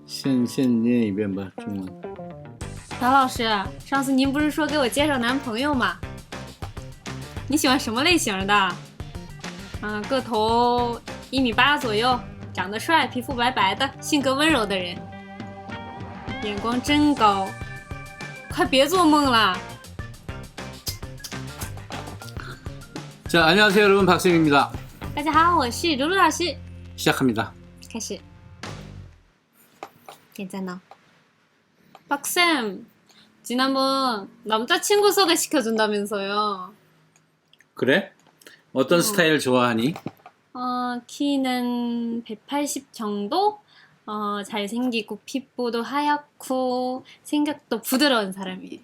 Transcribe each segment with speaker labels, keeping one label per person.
Speaker 1: 先念一遍吧，中文。
Speaker 2: 朴老师，上次您不是说给我介绍男朋友吗？你喜欢什么类型的？个头1.8米左右，长得帅，皮肤白白的，性格温柔的人。眼光真高，快别做梦了。
Speaker 1: 자, 안녕하세요, 여러분. 박쌤입니다.
Speaker 2: 大家好，我是卢卢老师。
Speaker 1: 시작합니다.
Speaker 2: 开始。点赞呢。 박쌤, 지난번 남자친구 소개시켜준다면서요.
Speaker 1: 그래? 어떤 스타일 좋아하니?
Speaker 2: 키는 180 정도? 잘생기고 피부도 하얗고 생각도 부드러운 사람이에요.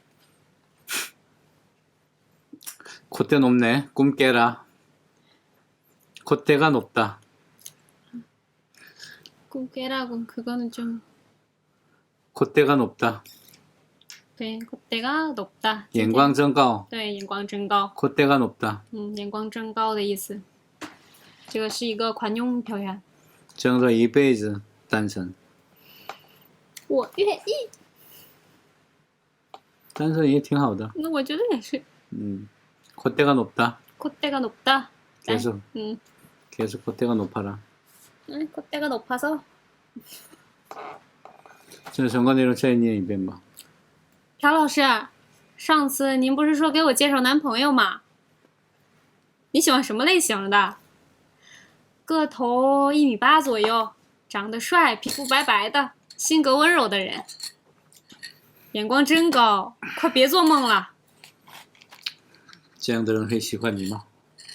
Speaker 1: 콧대 높네. 꿈 깨라. 콧대가 높다.
Speaker 2: 꿈 깨라고 그거는 좀...
Speaker 1: 콧대가 높다.
Speaker 2: 네, 콧대가 높다.
Speaker 1: 眼光真高.
Speaker 2: 네, 眼光真高.
Speaker 1: 콧대가 높다.
Speaker 2: 眼光真高的意思。这个是一个惯用表现。
Speaker 1: 争着一辈子单身.
Speaker 2: 我愿意。
Speaker 1: 单身也挺好的.
Speaker 2: 那我觉得也是。
Speaker 1: 콧대가 높다.
Speaker 2: 콧대가 높다.
Speaker 1: 계속. 계속 콧대가 높아라.
Speaker 2: 콧대가 높아서.
Speaker 1: 这相关内容再念一遍吧。
Speaker 2: 朴老师，上次您不是说给我介绍男朋友吗？你喜欢什么类型的？个头1.8米左右，长得帅，皮肤白白的，性格温柔的人。眼光真高，快别做梦了。
Speaker 1: 这样的人会喜欢你吗？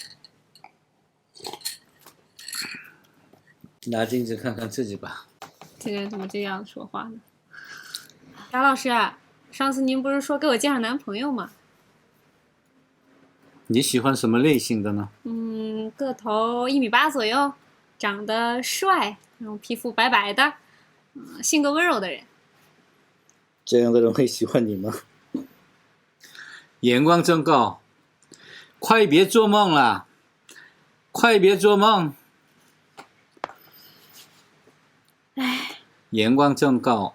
Speaker 1: 拿镜子看看自己吧。
Speaker 2: 这个人怎么这样说话呢？朴老师，上次您不是说给我介绍男朋友吗？
Speaker 1: 你喜欢什么类型的呢？
Speaker 2: 个头1.8米左右，长得帅，然后皮肤白白的，性格温柔的人。
Speaker 1: 这样的人会喜欢你吗？眼光真高，快别做梦了，快别做梦。
Speaker 2: 唉，
Speaker 1: 眼光真高。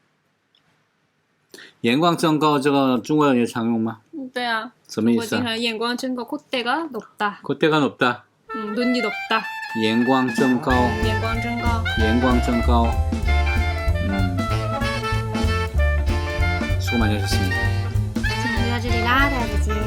Speaker 1: 眼光真高，这个中国人也常用吗？
Speaker 2: 对啊。
Speaker 1: 什么意思啊？
Speaker 2: 我经常眼光真高，콧대가 높다.
Speaker 1: 콧대가 높다.
Speaker 2: 눈이 높다.
Speaker 1: 眼光真高.
Speaker 2: 眼光真高.
Speaker 1: 眼光真高. 수고 많이 하셨습니다.
Speaker 2: 今天就到这里啦，大家再见。